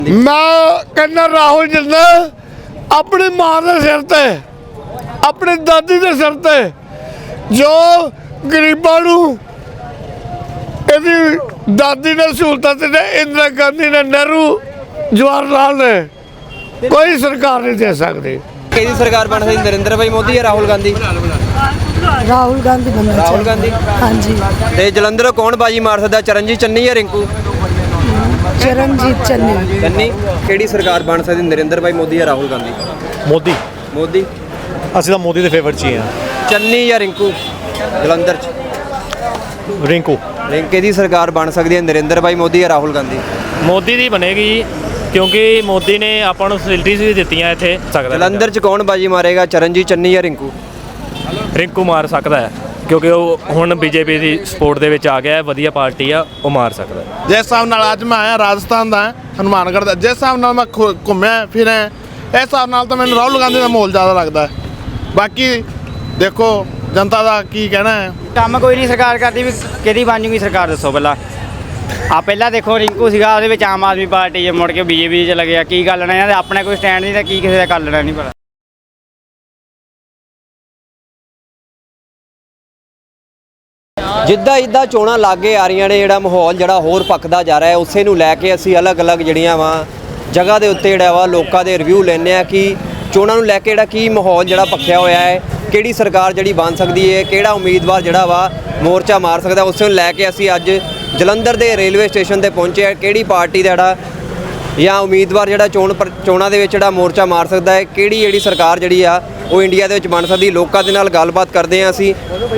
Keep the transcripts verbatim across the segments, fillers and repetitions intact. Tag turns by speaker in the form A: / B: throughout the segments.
A: मैं कहना राहुल जिंदा अपनी मां के सिर ते अपनी दादी के सिर ते जो गरीबों नूं इहदी दादी ने सहूलतां दित्तियां, इंदिरा गांधी ने, नेहरू, जवाहर लाल ने, कोई सरकार नहीं दे सकती।
B: किहदी सरकार बन सकदी, नरेंद्र भाई मोदी या राहुल गांधी?
C: राहुल गांधी बनना
B: राहुल गांधी।
C: हाँ जी।
B: ते जलंधर कौन बाजी मार सकदा, चरणजीत चन्नी या रिंकू?
C: चरणजीत चन्नी।
B: चन्नी। किहड़ी सरकार बन सकदी, नरेंद्र भाई मोदी या राहुल गांधी?
D: मोदी।
B: मोदी।
D: ਅਸੀਂ ਤਾਂ ਮੋਦੀ ਦੇ ਫੇਵਰ 'ਚ ਹੀ ਹਾਂ।
B: चन्नी या रिंकू जलंधर च?
D: ਰਿੰਕੂ।
B: रिंके दी सरकार बन सकदी है, नरेंद्र भाई मोदी या राहुल गांधी?
E: ਮੋਦੀ ਦੀ ਬਣੇਗੀ ਕਿਉਂਕਿ ਮੋਦੀ ਨੇ ਆਪਾਂ ਨੂੰ ਫੈਸਿਲਿਟੀਜ਼ ਵੀ ਦਿੱਤੀਆਂ ਇੱਥੇ ਸਕਦਾ।
B: ਜਲੰਧਰ ਚ ਕੌਣ ਬਾਜੀ ਮਾਰੇਗਾ, ਚਰਨਜੀਤ ਚੰਨੀ ਜਾਂ ਰਿੰਕੂ?
E: ਰਿੰਕੂ ਮਾਰ ਸਕਦਾ ਹੈ ਕਿਉਂਕਿ ਉਹ ਹੁਣ ਬੀਜੇਪੀ ਦੀ ਸਪੋਰਟ ਦੇ ਵਿੱਚ ਆ ਗਿਆ ਹੈ, ਵਧੀਆ ਪਾਰਟੀ ਆ, ਉਹ ਮਾਰ ਸਕਦਾ ਹੈ।
A: ਜਿਸ ਹਿਸਾਬ ਨਾਲ ਅੱਜ ਮੈਂ ਆਇਆ ਰਾਜਸਥਾਨ ਦਾ ਹਨੂੰਮਾਨਗੜ੍ਹ ਦਾ, ਜਿਸ ਹਿਸਾਬ ਨਾਲ ਮੈਂ ਘੁੰਮਿਆ ਫਿਰਿਆ, ਇਸ ਹਿਸਾਬ ਨਾਲ ਤਾਂ ਮੈਨੂੰ ਰਾਹੁਲ ਗਾਂਧੀ ਦਾ ਮਾਹੌਲ ਜ਼ਿਆਦਾ ਲੱਗਦਾ ਹੈ। ਬਾਕੀ ਦੇਖੋ ਜਨਤਾ ਦਾ ਕੀ ਕਹਿਣਾ ਹੈ।
F: ਕੰਮ ਕੋਈ ਨਹੀਂ ਸਰਕਾਰ ਕਰਦੀ, ਵੀ ਕਿਹਦੀ ਬਣ ਜੂਗੀ ਸਰਕਾਰ ਦੱਸੋ ਪਹਿਲਾਂ। ਆ ਪਹਿਲਾਂ ਦੇਖੋ ਰਿੰਕੂ ਸੀਗਾ, ਉਹਦੇ ਵਿੱਚ ਆਮ ਆਦਮੀ ਪਾਰਟੀ 'ਚ ਮੁੜ ਕੇ ਬੀਜੇਪੀ 'ਚ ਲੱਗਿਆ। ਕੀ ਗੱਲ ਲੈਣਾ ਇਹਨਾਂ ਦੇ, ਆਪਣੇ ਕੋਈ ਸਟੈਂਡ ਨਹੀਂ ਤਾਂ ਕੀ ਕਿਸੇ ਦਾ ਕਰ ਲੈਣਾ ਨਹੀਂ ਪਤਾ।
B: ਜਿੱਦਾਂ ਜਿੱਦਾਂ ਚੋਣਾਂ ਲਾਗੇ ਆ ਰਹੀਆਂ ਨੇ, ਜਿਹੜਾ ਮਾਹੌਲ ਜਿਹੜਾ ਹੋਰ ਪੱਕਦਾ ਜਾ ਰਿਹਾ ਹੈ, ਉਸੇ ਨੂੰ ਲੈ ਕੇ ਅਸੀਂ ਅਲੱਗ-ਅਲੱਗ ਜਿਹੜੀਆਂ ਵਾ ਜਗ੍ਹਾ ਦੇ ਉੱਤੇ ਜਿਹੜਾ ਵਾ ਲੋਕਾਂ ਦੇ ਰਿਵਿਊ ਲੈਂਦੇ ਆ ਕਿ ਚੋਣਾਂ ਨੂੰ ਲੈ ਕੇ ਜਿਹੜਾ ਕੀ ਮਾਹੌਲ ਜਿਹੜਾ ਪੱਕਿਆ ਹੋਇਆ ਹੈ, ਕਿਹੜੀ ਸਰਕਾਰ ਜਿਹੜੀ ਬਣ ਸਕਦੀ ਹੈ, ਕਿਹੜਾ ਉਮੀਦਵਾਰ ਜਿਹੜਾ ਵਾ ਮੋਰਚਾ ਮਾਰ ਸਕਦਾ, ਉਸੇ ਨੂੰ ਲੈ ਕੇ ਅਸੀਂ ਅੱਜ ਜਲੰਧਰ ਦੇ ਰੇਲਵੇ ਸਟੇਸ਼ਨ ਤੇ ਪਹੁੰਚੇ ਆ। ਕਿਹੜੀ ਪਾਰਟੀ ਦਾ ਜਿਹੜਾ ਜਾਂ ਉਮੀਦਵਾਰ ਜਿਹੜਾ ਚੋਣ ਚੋਣਾਂ ਦੇ ਵਿੱਚ ਜਿਹੜਾ ਮੋਰਚਾ ਮਾਰ ਸਕਦਾ ਹੈ, ਕਿਹੜੀ ਜਿਹੜੀ ਸਰਕਾਰ ਜਿਹੜੀ ਆ ਉਹ ਇੰਡੀਆ ਦੇ ਵਿੱਚ ਬਣ ਸਕਦੀ, ਲੋਕਾਂ ਦੇ ਨਾਲ ਗੱਲਬਾਤ ਕਰਦੇ ਆ ਅਸੀਂ।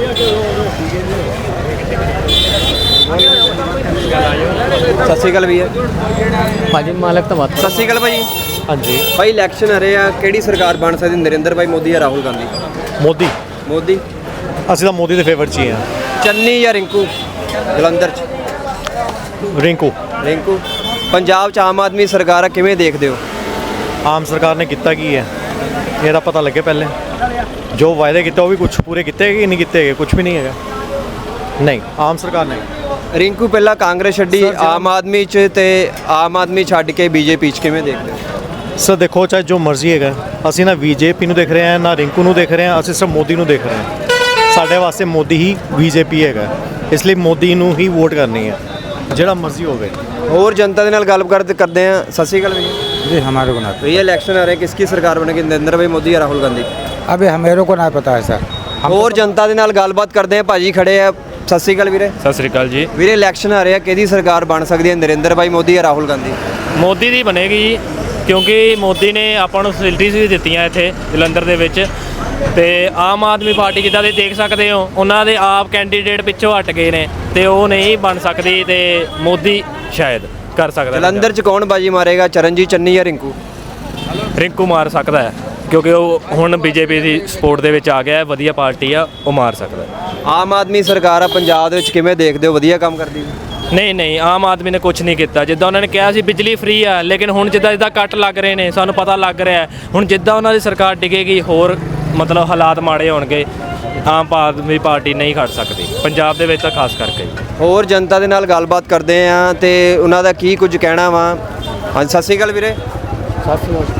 B: ਸਤਿ ਸ਼੍ਰੀ ਅਕਾਲ ਭਈਆ।
D: ਭਾਜੀ ਮਾਲਕ ਤਾਂ ਬਾਤ।
B: ਸਤਿ ਸ਼੍ਰੀ ਅਕਾਲ ਭਾਈ।
D: ਹਾਂਜੀ।
B: ਭਾਈ ਇਲੈਕਸ਼ਨ ਆ ਰਹੇ ਆ, ਕਿਹੜੀ ਸਰਕਾਰ ਬਣ ਸਕਦੀ, ਨਰਿੰਦਰ ਭਾਈ ਮੋਦੀ ਜਾਂ ਰਾਹੁਲ ਗਾਂਧੀ?
D: ਮੋਦੀ।
B: ਮੋਦੀ।
D: ਅਸੀਂ ਤਾਂ ਮੋਦੀ ਦੇ ਫੇਵਰ 'ਚ ਹੀ ਹਾਂ।
B: ਚੰਨੀ ਜਾਂ ਰਿੰਕੂ ਜਲੰਧਰ 'ਚ?
D: ਰਿੰਕੂ।
B: ਰਿੰਕੂ। ਪੰਜਾਬ 'ਚ ਆਮ ਆਦਮੀ ਸਰਕਾਰ ਆ, ਕਿਵੇਂ ਦੇਖਦੇ ਹੋ?
D: ਆਮ ਸਰਕਾਰ ਨੇ ਕੀਤਾ ਕੀ ਹੈ ਇਹਦਾ ਪਤਾ ਲੱਗੇ ਪਹਿਲੇ। ਜੋ ਵਾਅਦੇ ਕੀਤੇ ਉਹ ਵੀ ਕੁਝ ਪੂਰੇ ਕੀਤੇ ਕਿ ਨਹੀਂ ਕੀਤੇ ਹੈਗੇ, ਕੁਝ ਵੀ ਨਹੀਂ ਹੈਗਾ। ਨਹੀਂ, ਆਮ ਸਰਕਾਰ ਨਹੀਂ।
B: ਰਿੰਕੂ ਪਹਿਲਾਂ ਕਾਂਗਰਸ ਛੱਡੀ, ਆਮ ਆਦਮੀ 'ਚ, ਤੇ ਆਮ ਆਦਮੀ ਛੱਡ ਕੇ ਬੀਜੇਪੀ 'ਚ ਕਿਵੇਂ ਦੇਖਦੇ ਹੋ?
D: ਸਰ ਦੇਖੋ, ਚਾਹੇ ਜੋ ਮਰਜ਼ੀ ਹੈਗਾ, ਅਸੀਂ ਨਾ ਬੀਜੇਪੀ ਨੂੰ ਦੇਖ ਰਹੇ ਹਾਂ ਨਾ ਰਿੰਕੂ ਨੂੰ ਦੇਖ ਰਹੇ ਹਾਂ, ਅਸੀਂ ਸਿਰਫ ਮੋਦੀ ਨੂੰ ਦੇਖ ਰਹੇ ਹਾਂ। ਸਾਡੇ ਵਾਸਤੇ ਮੋਦੀ ਹੀ ਬੀਜੇਪੀ ਹੈਗਾ, ਇਸ ਲਈ ਮੋਦੀ ਨੂੰ ਹੀ ਵੋਟ ਕਰਨੀ ਹੈ, ਜਿਹੜਾ ਮਰਜ਼ੀ ਹੋਵੇ।
B: ਹੋਰ ਜਨਤਾ ਦੇ ਨਾਲ ਗੱਲਬਾਤ ਕਰਦੇ ਆ। ਸਤਿ ਸ਼੍ਰੀ ਅਕਾਲ भैया।
G: जी हमारे को ना,
B: भैया इलेक्शन आ रहे हैं, किसकी सरकार बनेगी, नरेंद्र भाई मोदी या राहुल गांधी?
G: अभी हमें को ना पता है सर।
B: ਹੋਰ ਜਨਤਾ ਦੇ ਨਾਲ ਗੱਲਬਾਤ ਕਰਦੇ ਆ। ਭਾਜੀ ਖੜੇ ਆ। ਸਤਿ ਸ਼੍ਰੀ ਅਕਾਲ ਵੀਰੇ।
E: ਸਤਿ ਸ੍ਰੀ ਅਕਾਲ ਜੀ।
B: ਵੀਰੇ ਇਲੈਕਸ਼ਨ ਆ ਰਹੇ ਆ, ਕਿਹਦੀ ਸਰਕਾਰ ਬਣ ਸਕਦੀ ਹੈ, ਨਰਿੰਦਰ ਭਾਈ ਮੋਦੀ ਜਾਂ ਰਾਹੁਲ ਗਾਂਧੀ?
E: ਮੋਦੀ ਦੀ ਬਣੇਗੀ ਕਿਉਂਕਿ ਮੋਦੀ ਨੇ ਆਪਾਂ ਨੂੰ ਫੈਸਿਲਿਟੀਜ਼ ਵੀ ਦਿੱਤੀਆਂ ਇੱਥੇ ਜਲੰਧਰ ਦੇ ਵਿੱਚ, ਤੇ ਆਮ ਆਦਮੀ ਪਾਰਟੀ ਜਿੱਦਾਂ ਦੇ ਦੇਖ ਸਕਦੇ ਹੋ, ਉਹਨਾਂ ਦੇ ਆਪ ਕੈਂਡੀਡੇਟ ਪਿੱਛੋਂ ਹਟ ਗਏ ਨੇ ਤੇ ਉਹ ਨਹੀਂ ਬਣ ਸਕਦੀ, ਤੇ ਮੋਦੀ ਸ਼ਾਇਦ ਕਰ ਸਕਦਾ।
B: ਜਲੰਧਰ 'ਚ ਕੌਣ ਬਾਜੀ ਮਾਰੇਗਾ, ਚਰਨਜੀਤ ਚੰਨੀ ਜਾਂ ਰਿੰਕੂ?
E: ਰਿੰਕੂ ਮਾਰ ਸਕਦਾ ਹੈ ਕਿਉਂਕਿ ਉਹ ਹੁਣ ਬੀਜੇਪੀ ਦੀ ਸਪੋਰਟ ਦੇ ਵਿੱਚ ਆ ਗਿਆ ਹੈ, ਵਧੀਆ ਪਾਰਟੀ ਆ, ਉਹ ਮਾਰ ਸਕਦਾ ਹੈ।
B: ਆਮ ਆਦਮੀ ਸਰਕਾਰ ਆ ਪੰਜਾਬ ਦੇ ਵਿੱਚ, ਕਿਵੇਂ ਦੇਖਦੇ ਹੋ, ਵਧੀਆ ਕੰਮ ਕਰਦੀ ਹੈ?
E: ਨਹੀਂ ਨਹੀਂ, ਆਮ ਆਦਮੀ ਨੇ ਕੁਝ ਨਹੀਂ ਕੀਤਾ। ਜਿੱਦਾਂ ਉਹਨਾਂ ਨੇ ਕਿਹਾ ਸੀ ਬਿਜਲੀ ਫ੍ਰੀ ਆ, ਲੇਕਿਨ ਹੁਣ ਜਿੱਦਾਂ ਜਿੱਦਾਂ ਕੱਟ ਲੱਗ ਰਹੇ ਨੇ, ਸਾਨੂੰ ਪਤਾ ਲੱਗ ਰਿਹਾ ਹੁਣ ਜਿੱਦਾਂ ਉਹਨਾਂ ਦੀ ਸਰਕਾਰ ਡਿੱਗੇਗੀ, ਹੋਰ ਮਤਲਬ ਹਾਲਾਤ ਮਾੜੇ ਹੋਣਗੇ, ਆਮ ਆਦਮੀ ਪਾਰਟੀ ਨਹੀਂ ਖੜ ਸਕਦੀ ਪੰਜਾਬ ਦੇ ਵਿੱਚ ਤਾਂ ਖਾਸ ਕਰਕੇ।
B: ਹੋਰ ਜਨਤਾ ਦੇ ਨਾਲ ਗੱਲਬਾਤ ਕਰਦੇ ਆ ਤੇ ਉਹਨਾਂ ਦਾ ਕੀ ਕੁਝ ਕਹਿਣਾ ਵਾ। ਹਾਂਜੀ, ਸਤਿ ਸ਼੍ਰੀ ਅਕਾਲ ਵੀਰੇ।
D: ਸਤਿ ਸ਼੍ਰੀ ਅਕਾਲ।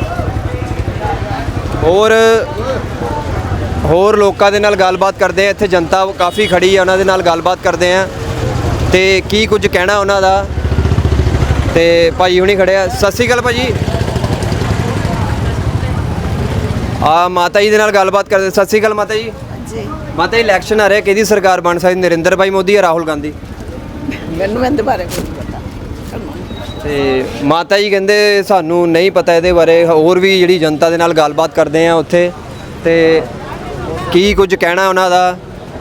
B: ਹੋਰ ਹੋਰ ਲੋਕਾਂ ਦੇ ਨਾਲ ਗੱਲਬਾਤ ਕਰਦੇ ਆ। ਇੱਥੇ ਜਨਤਾ ਕਾਫੀ ਖੜੀ ਆ, ਉਹਨਾਂ ਦੇ ਨਾਲ ਗੱਲਬਾਤ ਕਰਦੇ ਆ ਤੇ ਕੀ ਕੁਝ ਕਹਿਣਾ ਉਹਨਾਂ ਦਾ। ਤੇ ਭਾਈ ਹੁਣੀ ਖੜੇ ਆ। ਸਤਿ ਸ਼੍ਰੀ ਅਕਾਲ ਭਾਜੀ। ਆ ਮਾਤਾ ਜੀ ਦੇ ਨਾਲ ਗੱਲਬਾਤ ਕਰਦੇ। ਸਤਿ ਸ਼੍ਰੀ ਅਕਾਲ ਮਾਤਾ ਜੀ।
C: ਜੀ
B: ਮਾਤਾ ਜੀ ਇਲੈਕਸ਼ਨ ਆ ਰਿਹਾ, ਕਿਹਦੀ ਸਰਕਾਰ ਬਣ ਸਕਦੀ, ਨਰਿੰਦਰ ਭਾਈ ਮੋਦੀ ਜਾਂ ਰਾਹੁਲ ਗਾਂਧੀ?
C: ਮੈਨੂੰ ਇਹਦੇ ਬਾਰੇ ਕੁਝ ਪਤਾ।
B: ਤੇ ਮਾਤਾ ਜੀ ਕਹਿੰਦੇ ਸਾਨੂੰ ਨਹੀਂ ਪਤਾ ਇਹਦੇ ਬਾਰੇ। ਹੋਰ ਵੀ ਜਿਹੜੀ ਜਨਤਾ ਦੇ ਨਾਲ ਗੱਲਬਾਤ ਕਰਦੇ ਆ ਉੱਥੇ, ਤੇ ਕੀ ਕੁਝ ਕਹਿਣਾ ਉਹਨਾਂ ਦਾ।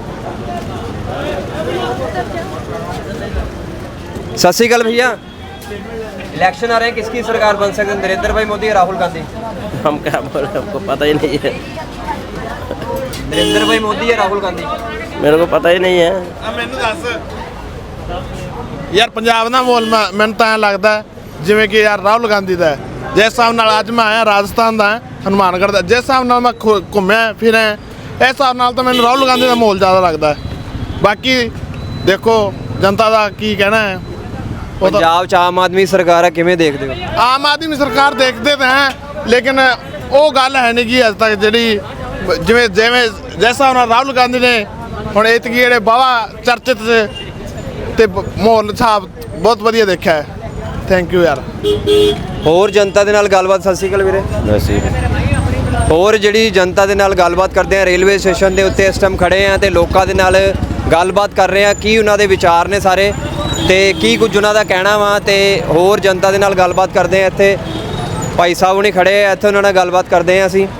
B: सत श्रीकाल भैया। इलेक्शन आ रहे हैं, किसकी सरकार बन सकती है, नरेंद्र भाई मोदी या राहुल गांधी?
H: हम क्या बोले, हमको पता ही नहीं है।
B: नरेंद्र भाई मोदी या राहुल गांधी?
H: मेरे को पता ही नहीं है।
A: ਮੈਨੂੰ ਦੱਸ ਯਾਰ, ਪੰਜਾਬ ਦਾ ਮਾਹੌਲ ਮੈਨੂੰ ਤਾਂ ਐਂ ਲੱਗਦਾ ਜਿਵੇਂ ਕਿ ਯਾਰ ਰਾਹੁਲ ਗਾਂਧੀ ਦਾ। ਜਿਸ ਹਿਸਾਬ ਨਾਲ ਅੱਜ ਮੈਂ ਆਇਆ ਰਾਜਸਥਾਨ ਦਾ ਹਨੂੰਮਾਨਗੜ੍ਹ ਦਾ, ਜਿਸ ਹਿਸਾਬ ਨਾਲ ਮੈਂ ਘੁੰਮਿਆ ਫਿਰਿਆ, ਇਸ ਹਿਸਾਬ ਨਾਲ ਤਾਂ ਮੈਨੂੰ ਰਾਹੁਲ ਗਾਂਧੀ ਦਾ ਮਾਹੌਲ ਜ਼ਿਆਦਾ ਲੱਗਦਾ। ਬਾਕੀ ਦੇਖੋ ਜਨਤਾ ਦਾ ਕੀ ਕਹਿਣਾ ਹੈ। ਉਹ ਤਾਂ
B: ਪੰਜਾਬ 'ਚ ਆਮ ਆਦਮੀ ਸਰਕਾਰ ਆ, ਕਿਵੇਂ ਦੇਖਦੇ ਹੋ?
A: ਆਮ ਆਦਮੀ ਸਰਕਾਰ ਦੇਖਦੇ ਤਾਂ ਹੈ, ਲੇਕਿਨ ਉਹ ਗੱਲ ਹੈ ਨਹੀਂ ਕਿ ਅੱਜ ਤੱਕ ਜਿਹੜੀ ਜਿਵੇਂ ਜਿਵੇਂ ਜੈਸਾ ਉਹਨਾਂ ਰਾਹੁਲ ਗਾਂਧੀ ਨੇ ਹੁਣ ਇਤਕੀ ਜਿਹੜੇ ਬਾਵਾ ਚਰਚਿਤ ਤੇ ਤੇ ਮਾਹੌਲ ਸਾਹਿਬ ਬਹੁਤ ਵਧੀਆ ਦੇਖਿਆ ਹੈ। ਥੈਂਕ ਯੂ ਯਾਰ।
B: ਹੋਰ ਜਨਤਾ ਦੇ ਨਾਲ ਗੱਲਬਾਤ। ਸਤਿ ਸ਼੍ਰੀ ਅਕਾਲ ਵੀਰੇ। ਹੋਰ ਜਿਹੜੀ ਜਨਤਾ ਦੇ ਨਾਲ ਗੱਲਬਾਤ ਕਰਦੇ ਆ, ਰੇਲਵੇ ਸਟੇਸ਼ਨ ਦੇ ਉੱਤੇ ਇਸ ਟਾਈਮ ਖੜੇ ਆ ਤੇ ਲੋਕਾਂ ਦੇ ਨਾਲ ਗੱਲਬਾਤ ਕਰ ਰਹੇ ਆ, ਕੀ ਉਹਨਾਂ ਦੇ ਵਿਚਾਰ ਨੇ ਸਾਰੇ ਤੇ ਕੀ ਕੁਝ ਉਹਨਾਂ ਦਾ ਕਹਿਣਾ ਵਾ, ਤੇ ਹੋਰ ਜਨਤਾ ਦੇ ਨਾਲ ਗੱਲਬਾਤ ਕਰਦੇ ਆ। ਇੱਥੇ ਭਾਈ ਸਾਹਿਬ ਹੁਣੀ ਖੜੇ ਆ, ਇੱਥੇ ਉਹਨਾਂ ਨਾਲ ਗੱਲਬਾਤ ਕਰਦੇ ਆ ਅਸੀਂ।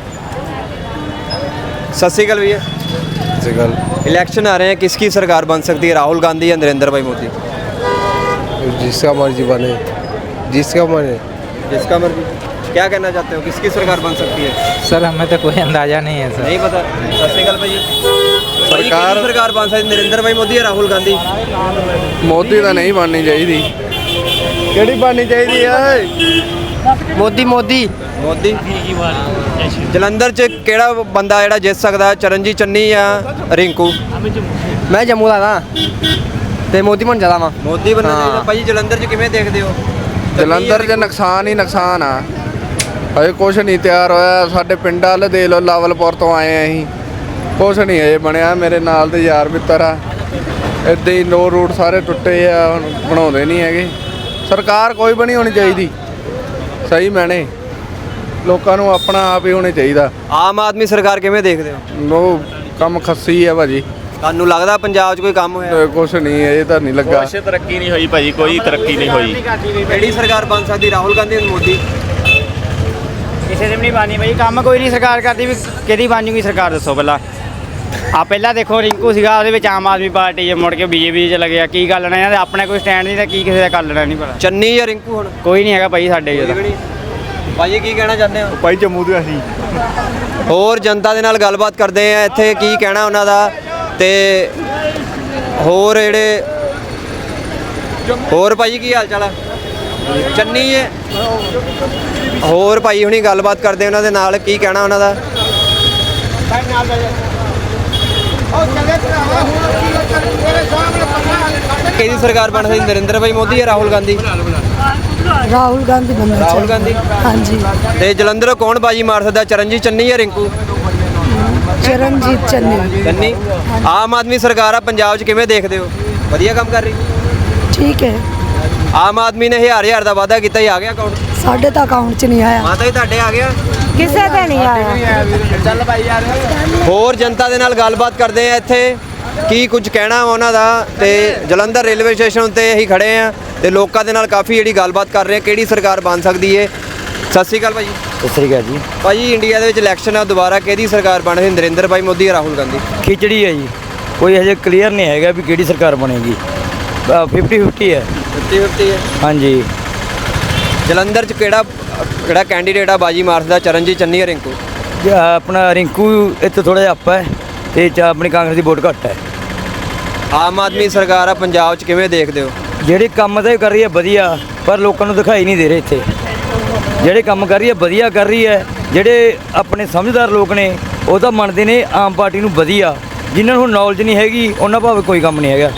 B: ਸਤਿ ਸ਼੍ਰੀ ਅਕਾਲ ਭਈਆ।
G: सही गल
B: इलेक्शन आ रहे हैं, किसकी सरकार बन सकती है, राहुल गांधी या नरेंद्र भाई मोदी?
G: जिसका मर्जी बने जिसका बने
B: जिसका मर्जी। क्या कहना चाहते हो, किसकी सरकार बन सकती है?
I: सर हमें तो कोई अंदाजा नहीं है सर।
B: नहीं पता। सत श्री अकाल भाई। सरकार सरकार बन सकती नरेंद्र भाई मोदी या राहुल गांधी?
G: मोदी तो नहीं बननी चाहिए। केड़ी बननी चाहिए? मोदी मोदी
B: मोदी। ਜਲੰਧਰ 'ਚ ਕਿਹੜਾ ਬੰਦਾ ਜਿਹੜਾ ਜਿੱਤ ਸਕਦਾ, ਚਰਨਜੀਤ ਚੰਨੀ ਜਾਂ ਰਿੰਕੂ?
F: ਮੈਂ ਜੰਮੂ ਦਾ ਨਾ ਤੇ ਮੋਦੀ ਬਣ ਜਾਦਾ ਵਾ।
B: ਮੋਦੀ ਬਣਨਾ ਚਾਹੀਦਾ। ਭਾਈ ਜਲੰਧਰ 'ਚ ਕਿਵੇਂ ਦੇਖਦੇ ਹੋ?
G: ਜਲੰਧਰ 'ਚ ਨੁਕਸਾਨ ਹੀ ਨੁਕਸਾਨ ਆ। ਹਜੇ ਕੁਛ ਨਹੀਂ ਤਿਆਰ ਹੋਇਆ। ਸਾਡੇ ਪਿੰਡ ਵਾਲੇ ਦੇ ਲੋ, ਲਾਵਲਪੁਰ ਤੋਂ ਆਏ ਆ ਅਸੀਂ, ਕੁਛ ਨਹੀਂ ਹਜੇ ਬਣਿਆ। ਮੇਰੇ ਨਾਲ ਦੇ ਯਾਰ ਮਿੱਤਰ ਆ, ਇੱਦਾਂ ਹੀ ਨੋ ਰੂਟ ਸਾਰੇ ਟੁੱਟੇ ਆ, ਹੁਣ ਬਣਾਉਂਦੇ ਨਹੀਂ ਹੈਗੇ। ਸਰਕਾਰ ਕੋਈ ਬਣੀ ਹੋਣੀ ਚਾਹੀਦੀ ਸਹੀ ਮੈਨੇ, ਲੋਕਾਂ ਨੂੰ ਆਪਣਾ ਆਪ ਹੀ ਹੋਣਾ ਚਾਹੀਦਾ।
B: ਆਮ ਆਦਮੀ ਸਰਕਾਰ ਕਿਵੇਂ ਦੇਖਦੇ ਹੋ?
G: ਉਹ ਕੰਮ ਖੱਸੀ ਆ ਭਾਜੀ।
B: ਤੁਹਾਨੂੰ ਲੱਗਦਾ ਪੰਜਾਬ 'ਚ ਕੋਈ ਕੰਮ ਹੋਇਆ?
G: ਕੁਛ ਨਹੀਂ ਇਹ ਤਾਂ ਨਹੀਂ ਲੱਗਾ।
J: ਕੁਛ ਤਰੱਕੀ ਨਹੀਂ ਹੋਈ ਭਾਜੀ, ਕੋਈ ਤਰੱਕੀ ਨਹੀਂ ਹੋਈ।
B: ਕਿਹੜੀ ਸਰਕਾਰ ਬਣ ਸਕਦੀ, ਰਾਹੁਲ ਗਾਂਧੀ ਜਾਂ ਮੋਦੀ?
F: ਕਿਸੇ ਦੇ ਵੀ ਨਹੀਂ ਬਾਨੀ ਭਾਈ, ਕੰਮ ਕੋਈ ਨਹੀਂ ਸਰਕਾਰ ਕਰਦੀ, ਵੀ ਕਿਹਦੀ ਬਣ ਜੂਗੀ ਸਰਕਾਰ ਦੱਸੋ ਪਹਿਲਾਂ। ਆ ਪਹਿਲਾਂ ਦੇਖੋ ਰਿੰਕੂ ਸੀਗਾ, ਉਹਦੇ ਵਿੱਚ ਆਮ ਆਦਮੀ ਪਾਰਟੀ 'ਚ ਮੁੜ ਕੇ ਬੀਜੇਪੀ 'ਚ ਲੱਗਿਆ। ਕੀ ਗੱਲ ਨਾ, ਇਹਨਾਂ ਦੇ ਆਪਣੇ ਕੋਈ ਸਟੈਂਡ ਨਹੀਂ ਤਾਂ ਕੀ ਕਿਸੇ ਦਾ ਕਰ ਲੈਣਾ ਨਹੀਂ ਪਤਾ।
B: ਚੰਨੀ ਜਾਂ ਰਿੰਕੂ? ਹੁਣ
F: ਕੋਈ ਨਹੀਂ ਹੈਗਾ ਭਾਈ ਸਾਡੇ ਜਿਹਦਾ।
B: ਭਾਈ ਕੀ ਕਹਿਣਾ ਚਾਹੁੰਦੇ ਹੋ?
D: ਭਾਈ ਜੰਮੂ ਦੇ ਅਸੀਂ
B: ਹੋਰ ਜਨਤਾ ਦੇ ਨਾਲ ਗੱਲਬਾਤ ਕਰਦੇ ਆ, ਇੱਥੇ ਕੀ ਕਹਿਣਾ ਉਹਨਾਂ ਦਾ, ਤੇ ਹੋਰ ਜਿਹੜੇ ਹੋਰ ਭਾਈ ਕੀ ਹਾਲ ਚਾਲ ਆ? ਚੰਨੀ ਹੈ। ਹੋਰ ਭਾਈ ਹੁਣੀ ਗੱਲਬਾਤ ਕਰਦੇ ਉਹਨਾਂ ਦੇ ਨਾਲ, ਕੀ ਕਹਿਣਾ ਉਹਨਾਂ ਦਾ। ਕਿਹਦੀ ਸਰਕਾਰ ਬਣ ਸਕਦੀ, ਨਰਿੰਦਰ ਭਾਈ ਮੋਦੀ ਜਾਂ ਰਾਹੁਲ ਗਾਂਧੀ?
C: राहुल गांधी बनना
B: ਰਾਹੁਲ
C: चाहिए।
B: ਗਾਂਧੀ।
C: हाँ जी।
B: ਤੇ ਜਲੰਧਰੋਂ ਕੌਣ ਬਾਜੀ ਮਾਰ ਸਕਦਾ, ਚਰਨਜੀਤ ਚੰਨੀ ਜਾਂ ਰਿੰਕੂ?
C: चरणजीत चन्नी।
B: ਚੰਨੀ। ਆਮ ਆਦਮੀ ਸਰਕਾਰ ਆ ਪੰਜਾਬ 'ਚ, ਕਿਵੇਂ ਦੇਖਦੇ ਹੋ? ਵਧੀਆ ਕੰਮ ਕਰ ਰਹੀ?
C: ठीक है।
B: ਆਮ ਆਦਮੀ ਨੇ ਹਜ਼ਾਰ ਹਜ਼ਾਰ ਦਾ ਵਾਅਦਾ ਕੀਤਾ ਹੀ, ਆ ਗਿਆ ਅਕਾਊਂਟ?
C: साढ़े तो अकाउंट च नहीं आया।
B: ਮਾਤਾ ਜੀ ਤੁਹਾਡੇ ਆ ਗਿਆ?
C: किसे का नहीं आया।
B: ਹੋਰ ਜਨਤਾ ਦੇ ਨਾਲ ਗੱਲਬਾਤ ਕਰਦੇ ਆ, ਇੱਥੇ ਕੀ ਕੁਝ ਕਹਿਣਾ ਵਾ ਉਹਨਾਂ ਦਾ। ਤੇ ਜਲੰਧਰ ਰੇਲਵੇ ਸਟੇਸ਼ਨ ਉੱਤੇ ਅਸੀਂ ਖੜੇ ਆ ਤੇ ਲੋਕਾਂ ਦੇ ਨਾਲ ਕਾਫੀ ਜਿਹੜੀ ਗੱਲਬਾਤ ਕਰ ਰਹੇ ਆ, ਕਿਹੜੀ ਸਰਕਾਰ ਬਣ ਸਕਦੀ ਏ। ਸਤਿ ਸ਼੍ਰੀ ਅਕਾਲ ਭਾਜੀ।
F: ਸਤਿ ਸ੍ਰੀ ਅਕਾਲ ਜੀ।
B: ਭਾਜੀ ਇੰਡੀਆ ਦੇ ਵਿੱਚ ਇਲੈਕਸ਼ਨ ਆ, ਦੁਬਾਰਾ ਕਿਹਦੀ ਸਰਕਾਰ ਬਣ ਸਕਦੀ, ਨਰਿੰਦਰ ਭਾਈ ਮੋਦੀ ਜਾਂ ਰਾਹੁਲ ਗਾਂਧੀ?
F: ਖਿਚੜੀ ਹੈ ਜੀ, ਕੋਈ ਹਜੇ ਕਲੀਅਰ ਨਹੀਂ ਹੈਗਾ ਵੀ ਕਿਹੜੀ ਸਰਕਾਰ ਬਣੇਗੀ। ਫਿਫਟੀ ਫਿਫਟੀ ਹੈ।
B: ਫਿਫਟੀ ਫਿਫਟੀ ਹੈ।
F: ਹਾਂਜੀ।
B: ਜਲੰਧਰ 'ਚ ਕਿਹੜਾ ਕਿਹੜਾ ਕੈਂਡੀਡੇਟ ਆ ਬਾਜੀ ਮਾਰ ਸਕਦਾ, ਚਰਨਜੀਤ ਚੰਨੀ ਜਾਂ ਰਿੰਕੂ?
F: ਆਪਣਾ ਰਿੰਕੂ ਇੱਥੇ ਥੋੜਾ ਜਿਹਾ ਅੱਪ ਹੈ ਤੇ ਆਪਣੀ ਕਾਂਗਰਸ ਦੀ ਵੋਟ ਘੱਟ ਹੈ।
B: ਆਮ ਆਦਮੀ ਸਰਕਾਰ ਆ ਪੰਜਾਬ 'ਚ, ਕਿਵੇਂ ਦੇਖਦੇ ਹੋ?
F: ਜਿਹੜੇ ਕੰਮ ਤਾਂ ਇਹ ਕਰ ਰਹੀ ਹੈ ਵਧੀਆ, ਪਰ ਲੋਕਾਂ ਨੂੰ ਦਿਖਾਈ ਨਹੀਂ ਦੇ ਰਹੇ ਇੱਥੇ। ਜਿਹੜੇ ਕੰਮ ਕਰ ਰਹੀ ਹੈ ਵਧੀਆ ਕਰ ਰਹੀ ਹੈ। ਜਿਹੜੇ ਆਪਣੇ ਸਮਝਦਾਰ ਲੋਕ ਨੇ ਉਹ ਤਾਂ ਮੰਨਦੇ ਨੇ ਆਮ ਪਾਰਟੀ ਨੂੰ ਵਧੀਆ, ਜਿਨ੍ਹਾਂ ਨੂੰ ਨੌਲੇਜ ਨਹੀਂ ਹੈਗੀ ਉਹਨਾਂ ਭਾਵੇਂ ਕੋਈ ਕੰਮ ਨਹੀਂ ਹੈਗਾ।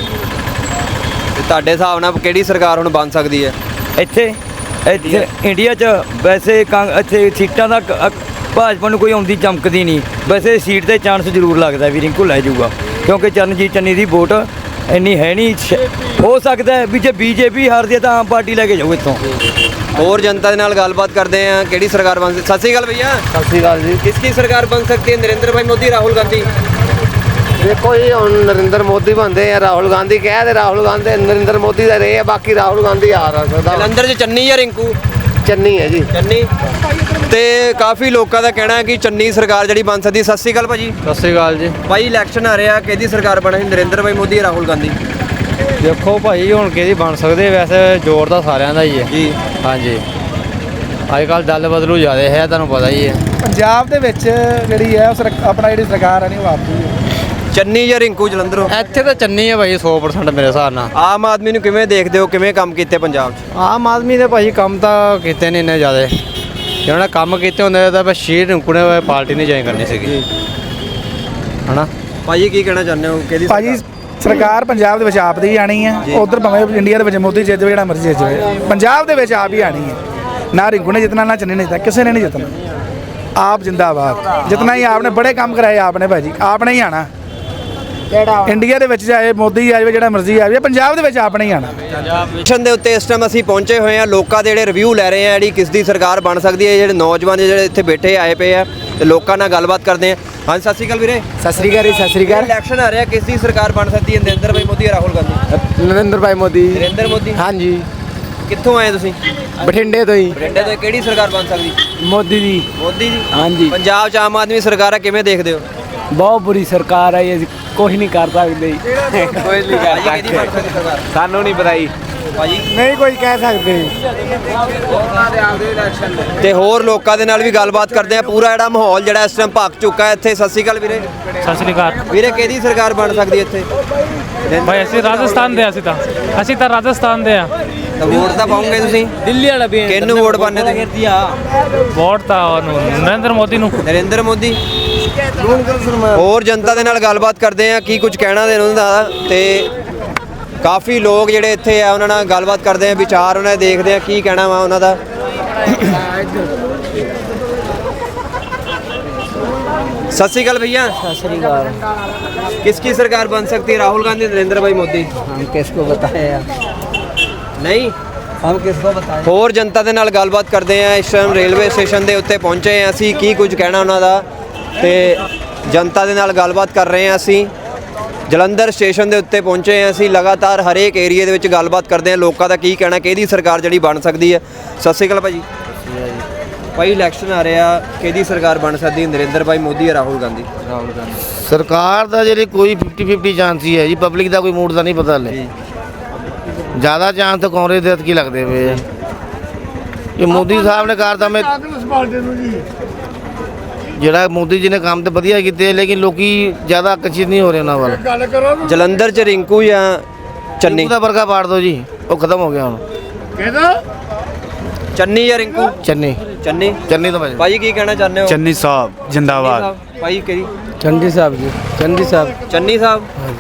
B: ਤੇ ਤੁਹਾਡੇ ਹਿਸਾਬ ਨਾਲ ਕਿਹੜੀ ਸਰਕਾਰ ਹੁਣ ਬਣ ਸਕਦੀ ਹੈ
F: ਇੱਥੇ ਇੱਥੇ ਇੰਡੀਆ 'ਚ? ਵੈਸੇ ਕਾਂ ਇੱਥੇ ਸੀਟਾਂ ਦਾ ਕ- ਭਾਜਪਾ ਨੂੰ ਕੋਈ ਆਉਂਦੀ ਚਮਕਦੀ ਨਹੀਂ। ਵੈਸੇ ਸੀਟ ਤੇ ਚਾਂਸ ਜ਼ਰੂਰ ਲੱਗਦਾ ਵੀ ਰਿੰਕੂ ਲੈ ਜਾਊਗਾ, ਕਿਉਂਕਿ ਚਰਨਜੀਤ ਚੰਨੀ ਦੀ ਵੋਟ ਇੰਨੀ ਹੈ ਨਹੀਂ। ਸ਼- ਹੋ ਸਕਦਾ ਹੈ ਵੀ ਜੇ ਬੀਜੇਪੀ ਹਾਰਦੀ ਹੈ ਤਾਂ ਆਮ ਪਾਰਟੀ ਲੈ ਕੇ ਜਾਊ ਇੱਥੋਂ।
B: ਹੋਰ ਜਨਤਾ ਦੇ ਨਾਲ ਗੱਲਬਾਤ ਕਰਦੇ ਆ, ਕਿਹੜੀ ਸਰਕਾਰ ਬਣ ਸਕਦੀ। ਸਤਿ ਸ਼੍ਰੀ ਅਕਾਲ ਭਈਆ।
G: ਸਤਿ ਸ਼੍ਰੀ ਅਕਾਲ ਜੀ।
B: किसकी सरकार बन सकती है, नरेंद्र भाई मोदी राहुल गांधी?
G: ਦੇਖੋ ਜੀ ਹੁਣ ਨਰਿੰਦਰ ਮੋਦੀ ਬਣਦੇ ਆ, ਰਾਹੁਲ ਗਾਂਧੀ ਕਹਿ ਦੇ, ਰਾਹੁਲ ਗਾਂਧੀ ਨਰਿੰਦਰ ਮੋਦੀ ਦਾ ਰਹੇ ਆ, ਬਾਕੀ ਰਾਹੁਲ ਗਾਂਧੀ ਆ ਸਕਦਾ।
B: ਜਲੰਧਰ 'ਚ ਚੰਨੀ ਜਾਂ ਰਿੰਕੂ?
G: ਚੰਨੀ ਹੈ ਜੀ।
B: ਚੰਨੀ। ਤੇ ਕਾਫੀ ਲੋਕਾਂ ਦਾ ਕਹਿਣਾ ਹੈ ਕਿ ਚੰਨੀ ਸਰਕਾਰ ਜਿਹੜੀ ਬਣ ਸਕਦੀ। ਸਤਿ ਸ਼੍ਰੀ ਅਕਾਲ ਭਾਜੀ।
G: ਸਤਿ ਸ਼੍ਰੀ ਅਕਾਲ ਜੀ।
B: ਭਾਈ ਇਲੈਕਸ਼ਨ ਆ ਰਿਹਾ, ਕਿਹਦੀ ਸਰਕਾਰ ਬਣੇ, ਨਰਿੰਦਰ ਭਾਈ ਮੋਦੀ ਜਾਂ ਰਾਹੁਲ ਗਾਂਧੀ?
F: ਦੇਖੋ ਭਾਈ ਹੁਣ ਕਿਹਦੀ ਬਣ ਸਕਦੇ, ਵੈਸੇ ਜ਼ੋਰ ਤਾਂ ਸਾਰਿਆਂ ਦਾ ਹੀ ਹੈ
B: ਜੀ।
F: ਹਾਂਜੀ। ਅੱਜ ਕੱਲ੍ਹ ਦਲ ਬਦਲੂ ਜ਼ਿਆਦਾ ਹੈ, ਤੁਹਾਨੂੰ ਪਤਾ ਹੀ ਹੈ।
I: ਪੰਜਾਬ ਦੇ ਵਿੱਚ ਜਿਹੜੀ ਹੈ ਉਹ ਆਪਣਾ ਜਿਹੜੀ ਸਰਕਾਰ ਹੈ ਨਹੀਂ ਉਹ ਆਪਦੀ ਹੈ।
B: ਚੰਨੀ ਜਾਂ ਰਿੰਕੂ ਜਲੰਧਰੋਂ?
F: ਇੱਥੇ ਤਾਂ ਚੰਨੀ ਹੈ ਭਾਈ ਸੌ ਪਰਸੈਂਟ ਮੇਰੇ ਹਿਸਾਬ ਨਾਲ।
B: ਆਮ ਆਦਮੀ ਨੂੰ ਕਿਵੇਂ ਦੇਖਦੇ ਹੋ, ਕਿਵੇਂ ਕੰਮ ਕੀਤੇ ਪੰਜਾਬ 'ਚ?
F: ਆਮ ਆਦਮੀ ਦੇ ਭਾਈ ਕੰਮ ਤਾਂ ਕੀਤੇ ਨਹੀਂ ਇੰਨੇ ਜ਼ਿਆਦਾ। ਜਿਹਨਾਂ ਨੇ ਕੰਮ ਕੀਤੇ ਹੁੰਦੇ ਤਾਂ ਬਸ ਸ਼ੀਰ ਰਿੰਕੂ ਨੇ ਪਾਰਟੀ ਨਹੀਂ ਜੁਆਇਨ ਕਰਨੀ ਸੀਗੀ, ਹਨਾ।
B: ਭਾਜੀ ਕੀ ਕਹਿਣਾ ਚਾਹੁੰਦੇ ਹੋ, ਕਿਹਦੀ
I: ਭਾਜੀ
B: ਸਰਕਾਰ?
I: ਸਰਕਾਰ ਪੰਜਾਬ ਦੇ ਵਿੱਚ ਆਪ ਦੀ ਹੀ ਆਣੀ ਹੈ। ਉਧਰ ਭਾਵੇਂ ਇੰਡੀਆ ਦੇ ਵਿੱਚ ਮੋਦੀ ਜਿੱਤ ਜਾਵੇ, ਜਿਹੜਾ ਮਰਜ਼ੀ ਜਿੱਤ ਜਾਵੇ, ਪੰਜਾਬ ਦੇ ਵਿੱਚ ਆਪ ਹੀ ਆਣੀ ਹੈ। ਨਾ ਰਿੰਕੂ ਨੇ ਜਿੱਤਣਾ, ਨਾ ਚੰਨੀ ਨੇ ਜਿੱਤਣਾ, ਕਿਸੇ ਨੇ ਨਹੀਂ ਜਿੱਤਣਾ। ਆਪ ਜਿੰਦਾਬਾਦ, ਜਿਤਨਾ ਹੀ ਆਪਨੇ ਬੜੇ ਕੰਮ ਕਰਾਏ ਆਪਨੇ ਭਾਜੀ, ਆਪਨੇ ਹੀ ਆਣਾ। ਇੰਡੀਆ ਦੇ ਵਿੱਚ ਜਾਏ ਮੋਦੀ ਆ ਜਾਵੇ, ਜਿਹੜਾ ਮਰਜ਼ੀ ਆ ਜਾਵੇ, ਪੰਜਾਬ ਦੇ ਵਿੱਚ ਆਪਨੇ ਹੀ ਆਣਾ।
B: ਮਿਸ਼ਨ ਦੇ ਉੱਤੇ ਇਸ ਟਾਈਮ ਅਸੀਂ ਪਹੁੰਚੇ ਹੋਏ ਹਾਂ, ਲੋਕਾਂ ਦੇ ਜਿਹੜੇ ਰਿਵਿਊ ਲੈ ਰਹੇ ਆ ਜਿਹੜੀ ਕਿਸ ਦੀ ਸਰਕਾਰ ਬਣ ਸਕਦੀ ਹੈ। ਜਿਹੜੇ ਨੌਜਵਾਨ ਜਿਹੜੇ ਇੱਥੇ ਬੈਠੇ ਆਏ ਪਏ ਆ ਤੇ ਲੋਕਾਂ ਨਾਲ ਗੱਲਬਾਤ ਕਰਦੇ ਆ। ਹਾਂਜੀ, ਸਤਿ ਸ਼੍ਰੀ ਅਕਾਲ ਵੀਰੇ।
K: ਸਤਿ ਸ਼੍ਰੀ ਅਕਾਲ ਜੀ, ਸਤਿ ਸ਼੍ਰੀ ਅਕਾਲ।
B: ਇਲੈਕਸ਼ਨ ਆ ਰਿਹਾ, ਕਿਸ ਦੀ ਸਰਕਾਰ ਬਣ ਸਕਦੀ ਹੈ? ਨਰਿੰਦਰ ਭਾਈ ਮੋਦੀ ਜਾਂ ਰਾਹੁਲ ਗਾਂਧੀ?
K: ਨਰਿੰਦਰ ਭਾਈ ਮੋਦੀ।
B: ਨਰਿੰਦਰ ਮੋਦੀ।
K: ਹਾਂਜੀ।
B: ਕਿੱਥੋਂ ਆਏ ਤੁਸੀਂ?
K: ਬਠਿੰਡੇ ਤੋਂ ਹੀ।
B: ਬਠਿੰਡੇ ਤੋਂ। ਕਿਹੜੀ ਸਰਕਾਰ ਬਣ ਸਕਦੀ?
K: ਮੋਦੀ ਦੀ।
B: ਮੋਦੀ ਦੀ।
K: ਹਾਂਜੀ।
B: ਪੰਜਾਬ 'ਚ ਆਮ ਆਦਮੀ ਸਰਕਾਰ ਹੈ, ਕਿਵੇਂ ਦੇਖਦੇ ਹੋ?
K: ਬਹੁਤ ਬੁਰੀ ਸਰਕਾਰ ਹੈ, ਅਸੀਂ ਕੁਝ ਨਹੀਂ ਕਰ ਸਕਦੇ।
B: ਕੋਈ ਨਹੀਂ ਕਰ ਸਕਦਾ।
K: ਸਾਨੂੰ ਨਹੀਂ ਪਤਾ ਜੀ
B: ਭਾਜੀ,
K: ਨਹੀਂ ਕੋਈ ਕਹਿ ਸਕਦੇ।
B: ਤੇ ਹੋਰ ਲੋਕਾਂ ਦੇ ਨਾਲ ਵੀ ਗੱਲਬਾਤ ਕਰਦੇ ਆ। ਪੂਰਾ ਜਿਹੜਾ ਮਾਹੌਲ ਜਿਹੜਾ ਇਸ ਟਾਈਮ ਭੱਕ ਚੁੱਕਾ ਹੈ ਇੱਥੇ। ਸਤਿ ਸ਼੍ਰੀ ਅਕਾਲ ਵੀਰੇ।
E: ਸਤਿ ਸ਼੍ਰੀ ਅਕਾਲ
B: ਵੀਰੇ, ਕਿਹਦੀ ਸਰਕਾਰ ਬਣ ਸਕਦੀ ਹੈ ਇੱਥੇ?
E: ਭਾਈ, ਅਸੀਂ ਰਾਜਸਥਾਨ ਦੇ ਅਸੀਂ ਤਾਂ ਅਸੀਂ ਤਾਂ ਰਾਜਸਥਾਨ ਦੇ ਆ।
B: ਤਾਂ ਵੋਟ ਤਾਂ ਪਾਉਂਗੇ ਤੁਸੀਂ?
K: ਦਿੱਲੀ ਵਾਲਾ ਵੀ
B: ਕਿਹਨੂੰ ਵੋਟ ਪਾਣੇ ਤੁਸੀਂ?
E: ਵੋਟ ਤਾਂ ਉਹਨੂੰ ਨਰਿੰਦਰ ਮੋਦੀ ਨੂੰ।
B: ਨਰਿੰਦਰ ਮੋਦੀ। ਹੋਰ ਜਨਤਾ ਦੇ ਨਾਲ ਗੱਲਬਾਤ ਕਰਦੇ ਆ, ਕੀ ਕੁਝ ਕਹਿਣਾ ਦੇ ਉਹਨਾਂ ਦਾ। ਤੇ ਕਾਫੀ ਲੋਕ ਜਿਹੜੇ ਇੱਥੇ ਆ ਉਹਨਾਂ ਨਾਲ ਗੱਲਬਾਤ ਕਰਦੇ ਆ, ਵਿਚਾਰ ਉਹਨਾਂ ਦੇ ਦੇਖਦੇ ਆ ਕੀ ਕਹਿਣਾ ਵਾ ਉਹਨਾਂ ਦਾ। सत श्रीकाल भैया।
K: सत श्रीकाल।
B: किसकी सरकार बन सकती है? राहुल गांधी, नरेंद्र भाई मोदी?
K: हम किसको बताएं यार,
B: नहीं
K: हम किसको बताएं।
B: ਹੋਰ ਜਨਤਾ ਦੇ ਨਾਲ ਗੱਲਬਾਤ ਕਰਦੇ ਆ। ਇਸ ਟਾਈਮ ਰੇਲਵੇ ਸਟੇਸ਼ਨ ਦੇ ਉੱਤੇ ਪਹੁੰਚੇ ਆ ਅਸੀਂ। ਕੀ ਕੁਝ ਕਹਿਣਾ ਉਹਨਾਂ ਦਾ ਤੇ ਜਨਤਾ ਦੇ ਨਾਲ ਗੱਲਬਾਤ ਕਰ ਰਹੇ ਆ ਅਸੀਂ। ਜਲੰਧਰ ਸਟੇਸ਼ਨ ਦੇ ਉੱਤੇ ਪਹੁੰਚੇ ਆ ਅਸੀਂ। ਲਗਾਤਾਰ ਹਰੇਕ ਏਰੀਆ ਦੇ ਵਿੱਚ ਗੱਲਬਾਤ ਕਰਦੇ ਆ, ਲੋਕਾਂ ਦਾ ਕੀ ਕਹਿਣਾ, ਕਿਹਦੀ ਸਰਕਾਰ ਜਿਹੜੀ ਬਣ ਸਕਦੀ ਹੈ। ਸਤਿ ਸ਼੍ਰੀ ਅਕਾਲ ਭਾਜੀ। ਭਾਈ, ਇਲੈਕਸ਼ਨ ਆ ਰਿਹਾ, ਕਿਹਦੀ ਸਰਕਾਰ ਬਣ ਸਕਦੀ ਹੈ? ਨਰਿੰਦਰ ਭਾਈ ਮੋਦੀ ਜਾਂ ਰਾਹੁਲ ਗਾਂਧੀ? ਰਾਹੁਲ ਗਾਂਧੀ।
L: ਸਰਕਾਰ ਦਾ ਜਿਹੜੀ ਕੋਈ ਫਿਫਟੀ ਫਿਫਟੀ ਚਾਂਸ ਹੀ ਹੈ ਜੀ। ਪਬਲਿਕ ਦਾ ਕੋਈ ਮੂਡ ਦਾ ਨਹੀਂ ਪਤਾ ਹਲੇ। ਜ਼ਿਆਦਾ ਚਾਂਸ ਤਾਂ ਕਾਂਗਰਸ ਦੇ ਕੀ ਲੱਗਦੇ ਪਏ ਆ। ਇਹ ਮੋਦੀ ਸਾਹਿਬ ਨੇ ਕਰਤਾ, ਮੈਂ ਜਿਹੜਾ ਮੋਦੀ ਜੀ ਨੇ ਕੰਮ ਤੇ ਵਧੀਆ ਕੀਤੇ, ਲੇਕਿਨ ਲੋਕੀ ਜ਼ਿਆਦਾ ਆਕਰਸ਼ਿਤ ਨਹੀਂ ਹੋ ਰਹੇ ਉਹਨਾਂ ਵੱਲ।
B: ਜਲੰਧਰ 'ਚ ਰਿੰਕੂ ਜਾਂ ਚੰਨੀ?
L: ਦਾ ਵਰਗਾ ਪਾੜ ਦੋ ਜੀ, ਉਹ ਖਤਮ ਹੋ ਗਿਆ ਹੁਣ।
A: ਕਿਹਦਾ?
B: ਚੰਨੀ ਜਾਂ ਰਿੰਕੂ?
L: ਚੰਨੀ।
B: ਚੰਨੀ।
L: ਚੰਨੀ ਤੋਂ ਭਾਜੀ।
B: ਭਾਜੀ, ਕੀ ਕਹਿਣਾ ਚਾਹੁੰਦੇ ਹੋ?
M: ਚੰਨੀ ਸਾਹਿਬ ਜਿੰਦਾਬਾਦ।
B: ਭਾਈ, ਕਿਹੜੀ?
K: चंदी साहब जी, चंदी साहब।
B: ਚੰਨੀ ਸਾਹਿਬ।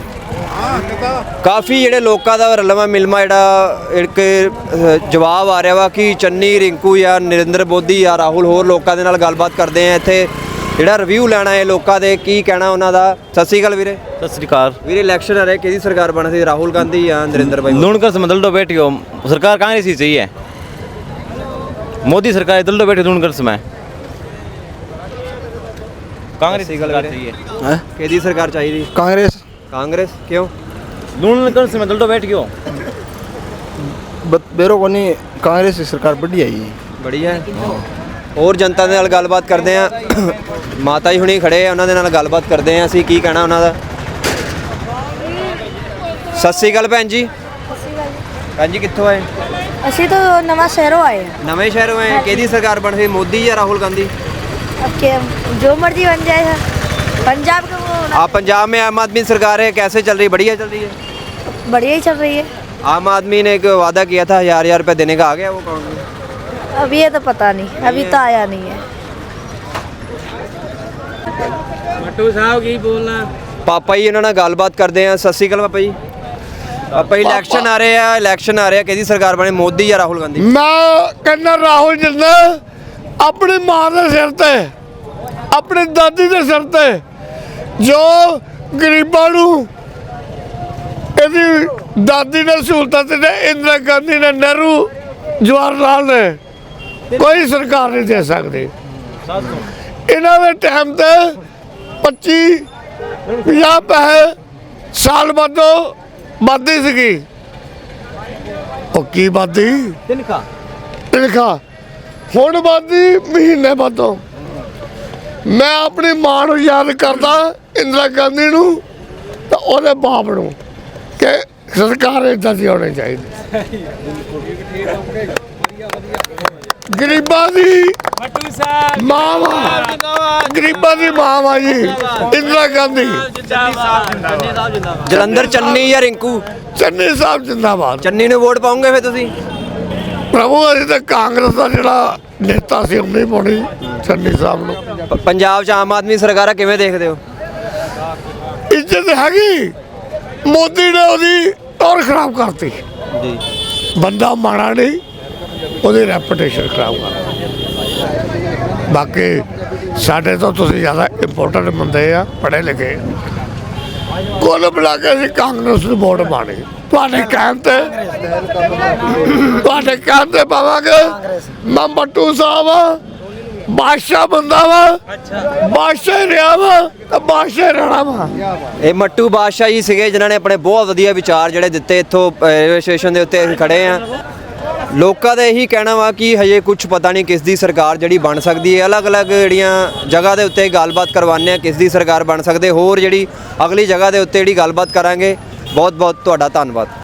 B: ਕਾਫੀ ਜਿਹੜੇ ਲੋਕਾਂ ਦਾ ਰਲਵਾ ਮਿਲਮਾ ਜਿਹੜਾ ਇੱਕ ਅ, ਜਵਾਬ ਆ ਰਿਹਾ ਵਾ ਕਿ ਚੰਨੀ, ਰਿੰਕੂ ਜਾਂ ਨਰਿੰਦਰ ਮੋਦੀ ਜਾਂ ਰਾਹੁਲ। ਹੋਰ ਲੋਕਾਂ ਦੇ ਨਾਲ ਗੱਲਬਾਤ ਕਰਦੇ ਆ ਇੱਥੇ, ਜਿਹੜਾ ਰਿਵਿਊ ਲੈਣਾ ਹੈ ਲੋਕਾਂ ਦੇ, ਕੀ ਕਹਿਣਾ ਉਹਨਾਂ ਦਾ। ਸਤਿ ਸ਼੍ਰੀ ਅਕਾਲ ਵੀਰੇ।
M: ਸਤਿ ਸ੍ਰੀ ਅਕਾਲ
B: ਵੀਰੇ, ਇਲੈਕਸ਼ਨ ਆ ਰਿਹਾ, ਕਿਹਦੀ ਸਰਕਾਰ ਬਣ ਸਕਦੀ? ਰਾਹੁਲ गांधी ਜਾਂ नरेंद्र भाई?
M: दोनों का समझ लो बैठी हो, सरकार कांग्रेस ही चाहिए। मोदी सरकार इधर लो बैठे दोनों कर समय कांग्रेस की सरकार चाहिए।
B: हैं? किहदी सरकार चाहिए?
I: ਕਾਂਗਰਸ।
B: कांग्रेस क्यों?
M: दोनों कर समय इधर लो बैठ गयो
I: ਬੇਰੋ ਕੋਨੀ ਕਾਂਗਰਸ ਦੀ ਸਰਕਾਰ बढ़िया ਹੀ
B: बढ़िया है। ਹੋਰ ਜਨਤਾ ਦੇ ਨਾਲ ਗੱਲਬਾਤ ਕਰਦੇ ਆ। ਮਾਤਾ ਜੀ ਹੁਣੀ ਖੜੇ ਆ, ਉਹਨਾਂ ਦੇ ਨਾਲ ਗੱਲਬਾਤ ਕਰਦੇ ਆ ਅਸੀਂ, ਕੀ ਕਹਿਣਾ ਉਹਨਾਂ ਦਾ। ਸਤਿ ਸ਼੍ਰੀ ਅਕਾਲ ਭੈਣ ਜੀ। ਭੈਣ ਜੀ, ਕਿੱਥੋਂ ਆਏ?
C: ਅਸੀਂ ਤਾਂ ਨਵਾਂ ਸ਼ਹਿਰੋਂ ਆਏ हैं।
B: ਨਵੇਂ ਸ਼ਹਿਰੋਂ ਆਏ। ਕਿਹਦੀ ਸਰਕਾਰ ਬਣ ਸਕਦੀ? ਮੋਦੀ ਜਾਂ ਰਾਹੁल गांधी?
C: अब क्या जो मर्जी बन जाए। पंजाब का वो
B: आप पंजाब में आम आदमी सरकार है, कैसे चल रही? बढ़िया चल रही है।
C: बढ़िया ही चल रही है।
B: आम आदमी ने एक वादा किया था हजार हजार रुपये देने का, आ गया वो कौन?
C: अब ये तो पता नहीं, अभी तो आया नहीं है।
K: मट्टू साहब की बोलना।
B: ਪਾਪਾ ਜੀ ਇਹਨਾਂ ਨਾਲ ਗੱਲਬਾਤ ਕਰਦੇ ਆ। ਸਤਿ ਸ਼੍ਰੀ ਅਕਾਲ ਪਾਪਾ ਜੀ। ਪਾਪਾ ਜੀ, ਇਲੈਕਸ਼ਨ ਆ ਰਹੇ ਆ, ਇਲੈਕਸ਼ਨ ਆ ਰਿਹਾ, ਕਿਹਦੀ ਸਰਕਾਰ ਬਣੇ? ਮੋਦੀ ਜਾਂ ਰਾਹੁਲ ਗਾਂਧੀ?
A: ਮੈਂ ਕਹਿੰਦਾ ਰਾਹੁਲ ਜਿੰਦਾ ਆਪਣੀ ਮਾਂ ਦੇ ਸਿਰ ਤੇ, ਆਪਣੀ ਦਾਦੀ ਦੇ ਸਿਰ ਤੇ, ਜੋ ਗਰੀਬਾਂ ਨੂੰ ਇਹਦੀ ਦਾਦੀ ਨੇ ਸਹੂਲਤਾਂ ਤੇ, ਇੰਦਰਾ ਗਾਂਧੀ ਨੇ, ਨਹਿਰੂ, ਜਵਾਹਰ ਲਾਲ ਨੇ, ਕੋਈ ਸਰਕਾਰ ਨਹੀਂ ਦੇ ਸਕਦੀ। ਇਹਨਾਂ ਦੇ ਟਾਈਮ ਤੇ ਪੱਚੀ ਪੰਜਾਹ ਪੈਸੇ ਸਾਲ ਬਾਅਦੋਂ ਵੱਧਦੀ ਸੀਗੀ। ਉਹ ਕੀ ਵੱਧਦੀ?
B: ਤਿੰਨਕਾ।
A: ਤਿੰਨਕਾ ਹੁਣ ਵੱਧਦੀ ਮਹੀਨੇ ਬਾਅਦੋਂ। ਮੈਂ ਆਪਣੀ ਮਾਂ ਨੂੰ ਯਾਦ ਕਰਦਾ, ਇੰਦਰਾ ਗਾਂਧੀ ਨੂੰ ਤੇ ਉਹਦੇ ਬਾਪ ਨੂੰ, ਕਿ ਸਰਕਾਰ ਇੱਦਾਂ ਦੀ ਹੋਣੀ ਚਾਹੀਦੀ। ਗਰੀਬਾਂ ਦੀ ਮਾਂ ਵਾ, ਗਰੀਬਾਂ ਦੀ ਮਾਂ ਵਾ ਜੀ ਇੰਦਰਾ ਗਾਂਧੀ।
B: ਜਲੰਧਰ ਚੰਨੀ ਜਾਂ ਰਿੰਕੂ?
A: ਚੰਨੀ ਸਾਹਿਬ ਜਿੰਦਾਬਾਦ।
B: ਚੰਨੀ ਨੂੰ ਵੋਟ ਪਾਉਂਗੇ ਫਿਰ ਤੁਸੀਂ?
A: ਪ੍ਰਭੂ, ਅਸੀਂ ਤਾਂ ਕਾਂਗਰਸ ਦਾ ਜਿਹੜਾ ਨੇਤਾ ਸੀ ਉਹਨੇ ਪਾਉਣੀ ਚੰਨੀ ਸਾਹਿਬ ਨੂੰ।
B: ਪ- ਪੰਜਾਬ 'ਚ ਆਮ ਆਦਮੀ ਸਰਕਾਰਾਂ ਕਿਵੇਂ ਦੇਖਦੇ ਹੋ?
A: ਇੱਜ਼ਤ ਹੈਗੀ, ਮੋਦੀ ਨੇ ਉਹਦੀ ਟੌਰ ਖਰਾਬ ਕਰਤੀ
B: ਜੀ
A: ਬੰਦਾ ਮਾੜਾ ਨਹੀਂ, ਉਹਦੀ ਰੈਪੂਟੇਸ਼ਨ ਖਰਾਬ ਕਰ। ਬਾਕੀ ਸਾਡੇ ਤੋਂ ਤੁਸੀਂ ਜ਼ਿਆਦਾ ਇੰਪੋਰਟੈਂਟ ਬੰਦੇ ਆ, ਪੜ੍ਹੇ ਲਿਖੇ। ਕੁੱਲ ਮਿਲਾ ਕੇ ਅਸੀਂ ਕਾਂਗਰਸ ਨੂੰ ਵੋਟ ਪਾਣੀ, ਤੁਹਾਡੇ ਕਹਿਣ ਤੇ ਤੁਹਾਡੇ ਕਹਿਣ ਤੇ ਪਾਵਾਂਗੇ। ਮੈਂ ਮੱਟੂ ਸਾਹਿਬ ਬਾਦਸ਼ਾਹ ਬੰਦਾ ਵਾ, ਬਾਦਸ਼ਾਹ ਹੀ ਰਿਹਾ ਵਾ ਤੇ ਬਾਦਸ਼ਾਹ ਹੀ ਰਹਿਣਾ ਵਾ।
B: ਇਹ ਮੱਟੂ ਬਾਦਸ਼ਾਹ ਜੀ ਸੀਗੇ ਜਿਨ੍ਹਾਂ ਨੇ ਆਪਣੇ ਬਹੁਤ ਵਧੀਆ ਵਿਚਾਰ ਜਿਹੜੇ ਦਿੱਤੇ। ਇੱਥੋਂ ਰੇਲਵੇ ਸਟੇਸ਼ਨ ਦੇ ਉੱਤੇ ਅਸੀਂ ਖੜੇ ਆ। ਲੋਕਾਂ ਦਾ ਇਹੀ ਕਹਿਣਾ ਵਾ ਕਿ ਹਜੇ ਕੁਝ ਪਤਾ ਨਹੀਂ ਕਿਸ ਦੀ ਸਰਕਾਰ ਜਿਹੜੀ ਬਣ ਸਕਦੀ ਹੈ। ਅਲੱਗ-ਅਲੱਗ ਜਿਹੜੀਆਂ ਜਗ੍ਹਾ ਦੇ ਉੱਤੇ ਗੱਲਬਾਤ ਕਰਵਾਉਂਦੇ ਆ ਕਿਸ ਦੀ ਸਰਕਾਰ ਬਣ ਸਕਦੇ। ਹੋਰ ਜਿਹੜੀ ਅਗਲੀ ਜਗ੍ਹਾ ਦੇ ਉੱਤੇ ਜਿਹੜੀ ਗੱਲਬਾਤ ਕਰਾਂਗੇ। ਬਹੁਤ ਬਹੁਤ ਤੁਹਾਡਾ ਧੰਨਵਾਦ।